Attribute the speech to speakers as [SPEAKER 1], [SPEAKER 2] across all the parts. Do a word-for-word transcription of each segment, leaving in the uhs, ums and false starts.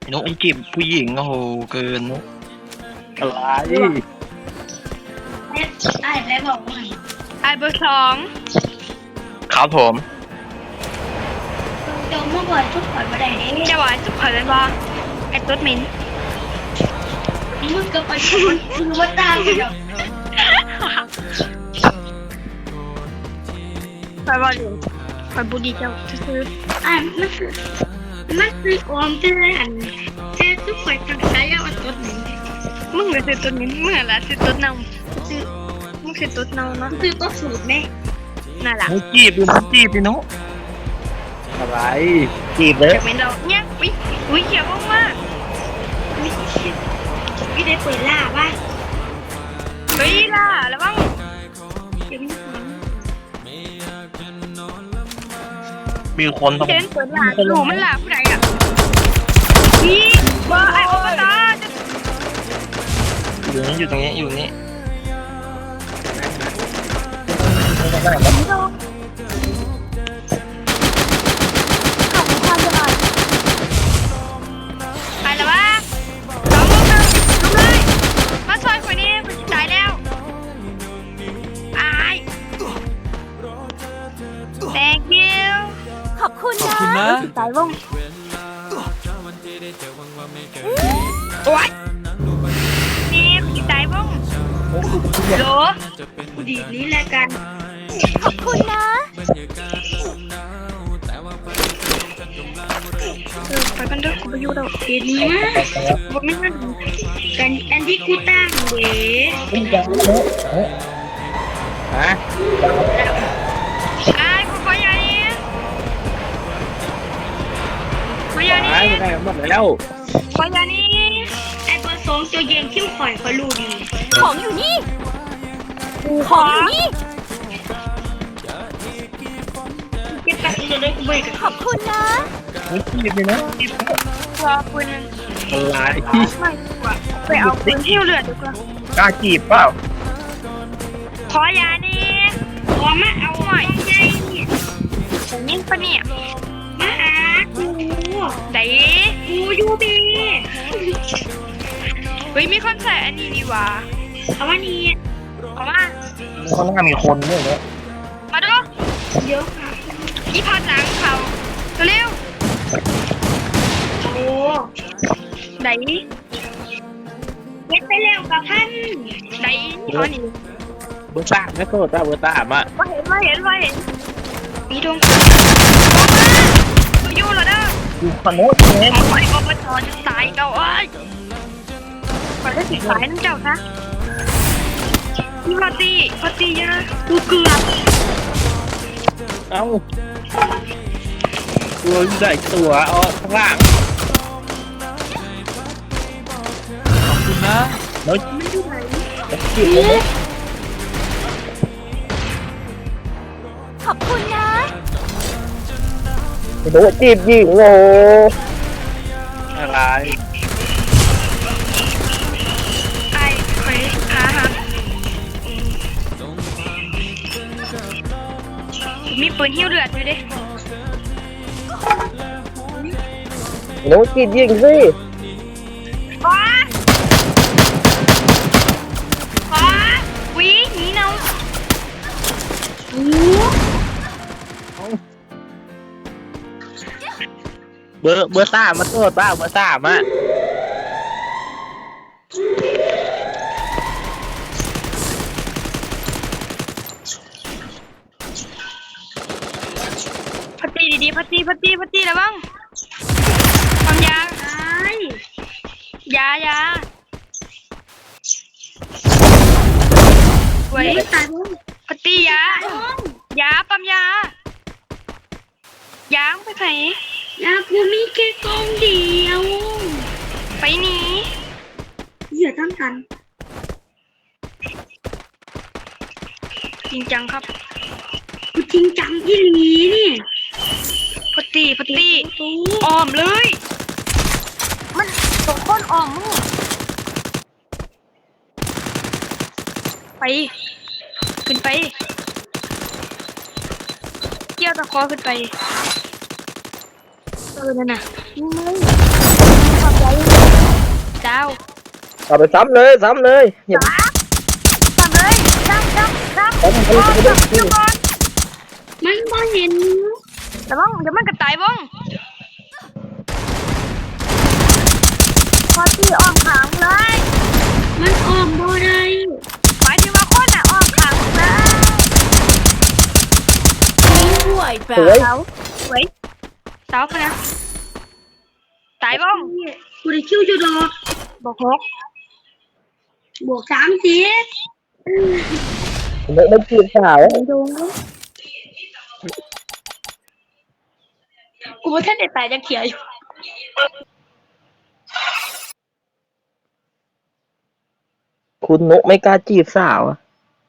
[SPEAKER 1] นกไอ้จีบผู้หญิงโอ้โหเกินนก
[SPEAKER 2] อะไร
[SPEAKER 3] ไอ้ไอ้แล้วบอกว่า
[SPEAKER 4] ไอเบอร์สอง
[SPEAKER 1] ครับผม
[SPEAKER 3] เดี๋ยวเมื่อก่อนทุกคนมาได้เด้
[SPEAKER 4] จะหวานสุดขอเป็นว่าไอตุ๊ดมิน
[SPEAKER 3] มึงก็ไปคนคือว่าตามกันเดี๋ยว
[SPEAKER 4] คอยบอกอยู่คอยบุดีเจ้าซื้อ
[SPEAKER 3] ไอ้มันคือมันคือออมเจอหันเจอทุกคนทางซ้ายเอาตัวหนึ่ง
[SPEAKER 4] มึงเลยซื้อตุ๊ดมินมึงอะไรซื้อตุ๊ดเน่าซื้อมึงซื้อตุ๊ดเน่าเนาะ
[SPEAKER 3] คือตัวสูตรแม่
[SPEAKER 4] น่ารัก
[SPEAKER 1] นกจีบดูนกจีบพี่นก
[SPEAKER 2] อะไร
[SPEAKER 1] จีบเลย
[SPEAKER 4] จะเป็นเราเนี่ยอุ้ยอุ้ยเขียวมาก
[SPEAKER 3] ไม่ได้เปิดล่าป่ะ
[SPEAKER 4] ๆเฮ้ยล่ะแล้วบ้าง
[SPEAKER 3] เดี๋ยวไม่ถึง
[SPEAKER 1] มีคนต้อง
[SPEAKER 4] เจนเปิดล่ะหนูมันล่ะผู้ใดอ่ะพี่ว่าไอโอปตาจะ
[SPEAKER 1] อยู่นี่อยู่ตรงนี้อยู่นี่
[SPEAKER 4] ไปแล้ววะสองลูกหนึ่งลุกเลยมาซอยคนนี้มันตายแล้วอาย thank you
[SPEAKER 5] ขอบคุณ
[SPEAKER 2] ขอบ
[SPEAKER 5] นะ
[SPEAKER 2] คุณนะ
[SPEAKER 4] ตายวงโอ๊ยนี่คุณตายวงโหล
[SPEAKER 3] กูดีนี้แหละกัน
[SPEAKER 5] ขอบคุณนะ
[SPEAKER 4] เออไปกันเด้อกูไปอยู่แล้ว
[SPEAKER 3] เดี๋ยวนี้
[SPEAKER 4] บ่ไม่งั้น
[SPEAKER 3] กันอันที่กูตั้งเว้ย
[SPEAKER 2] ฮะ
[SPEAKER 4] อายกูขออย่านี้ขออย่านี้
[SPEAKER 2] หายไปไหนหมดแล้ว
[SPEAKER 4] ขออย่านี้
[SPEAKER 3] ไอ้เบอร์สองตัวเย็นเข้มข่อยเขารู้ดี
[SPEAKER 5] ของอยู่นี่ ของอยู่นี่
[SPEAKER 3] เก็บตังค์จะได้กูเบิก
[SPEAKER 5] ขอบคุณนะ
[SPEAKER 1] นกจีบเลยนะจีบ
[SPEAKER 4] ขอปืน
[SPEAKER 2] อะไร
[SPEAKER 4] ไม่ดีกว่าไปเอาปืนที่เหลือดีกว่าก
[SPEAKER 1] ล้าจีบเปล่า
[SPEAKER 4] ขออย่านี้
[SPEAKER 3] ขอมาเอาหน่อยใหญ่เนี่ย
[SPEAKER 4] ผมยิงปะเนี่ย
[SPEAKER 3] มาหากู
[SPEAKER 4] ไหน
[SPEAKER 3] กูอยู่บี
[SPEAKER 4] เฮ้ยมีคนใส่อันนี้ดีว่า
[SPEAKER 3] เอาวันนี้
[SPEAKER 4] เอามา
[SPEAKER 1] ข้างหน้ามีคนด้วยเนี่ย
[SPEAKER 4] มาดู
[SPEAKER 3] เดี๋ยวค่ะ
[SPEAKER 4] อีพัดหลังเขาเร็ว
[SPEAKER 3] โอ้
[SPEAKER 4] ๆไหน
[SPEAKER 3] เย็ดไปแล้วกับท่าน
[SPEAKER 4] ไหนเขาหนี
[SPEAKER 2] เบอร์สามไม่โทษจ้าเบอร์สามอ่ะ
[SPEAKER 4] ว่าเห็นว่าเห็นว่าเห็นมีดวงออกมาอยู่เหรอเด้อ
[SPEAKER 1] อยู่คนโน้นเนี่ย
[SPEAKER 4] เอาไว้อบจจะตายเก่าเอ้ยขอได้สิสายนั่นเจ้านะพี่พอตีพอตีนะกูเกือบ
[SPEAKER 2] เอ้าตัวใหญ่ตัวอ๋อข้างล่างขอบคุณนะ
[SPEAKER 1] แล้ว
[SPEAKER 3] มันอยู่ไหน
[SPEAKER 1] จีบเลย
[SPEAKER 5] ขอบคุณนะ
[SPEAKER 1] นกจีบหญิงโอ้
[SPEAKER 2] อะไร
[SPEAKER 4] ไอ้เคยขาหักมีปืนหิ้วเลือดอยู่ดิ
[SPEAKER 1] นกจีบหญิงสิ
[SPEAKER 4] ว้าว้าวิ่งหนีเนา
[SPEAKER 2] เบอร์เบอร์สามมาโทษป้าเบอร์สามอ่ะ
[SPEAKER 4] พัตตีดีๆพัตตีพัตตีพัตตีแล้วบ้างความยา
[SPEAKER 3] ไอ้
[SPEAKER 4] ยายาเว้ย
[SPEAKER 3] ไม่ตายบ้าง
[SPEAKER 4] พัตตียา ยาปั๊มยา ยางไปไหน
[SPEAKER 3] ยากูมีแค่กองเดียว
[SPEAKER 4] ไปหนี
[SPEAKER 3] เหยื่อตั้งกัน
[SPEAKER 4] จริงจังครับ
[SPEAKER 3] กูจริงจังอีหลีนี่
[SPEAKER 4] พัตตีพัตตี
[SPEAKER 3] โอ้
[SPEAKER 4] อ้อมเลย มันตกก้นอ้อมมึงไป ขึ้นไป เกี่ยวตะคอขึ้นไป เออนั่นน่ะนี่เลย
[SPEAKER 5] อบใจเจ้า
[SPEAKER 1] เอาไปซ้ำเลยซ้ำเลยอย่า
[SPEAKER 5] ทำเลยซ้ำซ้ำซ้ำ
[SPEAKER 1] ซ้ำมัน
[SPEAKER 5] ก่อน
[SPEAKER 1] ไม่ได้
[SPEAKER 5] ซ้ำอยู่ก่อน
[SPEAKER 3] มันบ่เห็น
[SPEAKER 5] แต่บ้องเดี๋ยวมันกระต่ายบ้องพอตีอ้อมขางเลย
[SPEAKER 3] มันออกบ่ได้
[SPEAKER 5] หมายถึงว่าคนอ่ะอ้อมขางเลย
[SPEAKER 1] สวย
[SPEAKER 5] เสาสวยเสาไปนะตายบ้อง
[SPEAKER 3] กูได้คิวจุดดอก
[SPEAKER 5] บอกหก
[SPEAKER 3] บวกสามสิบ
[SPEAKER 1] ไม่ไม่จีบสาว
[SPEAKER 5] ดู
[SPEAKER 3] กูว่าท่านได้ตายจะเขียวอยู่
[SPEAKER 1] คุณนุไม่กล้าจีบสาวอะ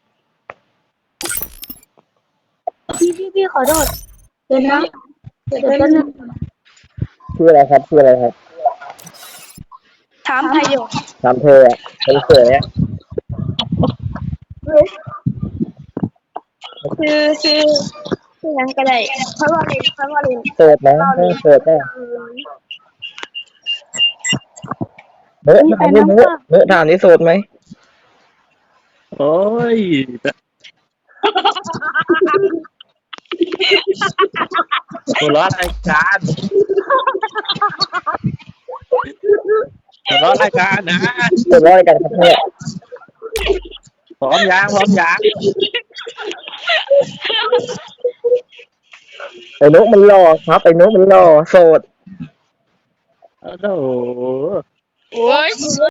[SPEAKER 3] พี่พี่พี่ขอโทษเดี๋ยวนะเดี๋ยวนะ
[SPEAKER 1] ชื่ออะไรครับชื่ออะไรครับ
[SPEAKER 5] ถามไทยอยู่
[SPEAKER 1] ถามเธออะเป็นเขยอะ
[SPEAKER 5] คือคือคือยังก็ได้เพราะว่าเรียนเพราะว่าเรียน
[SPEAKER 1] โสดไหมไม่โสดได้เนื้อถามนี่เนื้อเนื้อถามนี่โสดไหม
[SPEAKER 2] โอ้ยหัวเร้อนรายการหัวเร้อนรายการนะ
[SPEAKER 1] โสดร้อยกันครับเนี่ย
[SPEAKER 2] พร้อมยางพร้อมยาง
[SPEAKER 1] ไอ้นุมันรอครับไอ้นุมันรอโสด
[SPEAKER 2] โอ้โห
[SPEAKER 4] โอ้ย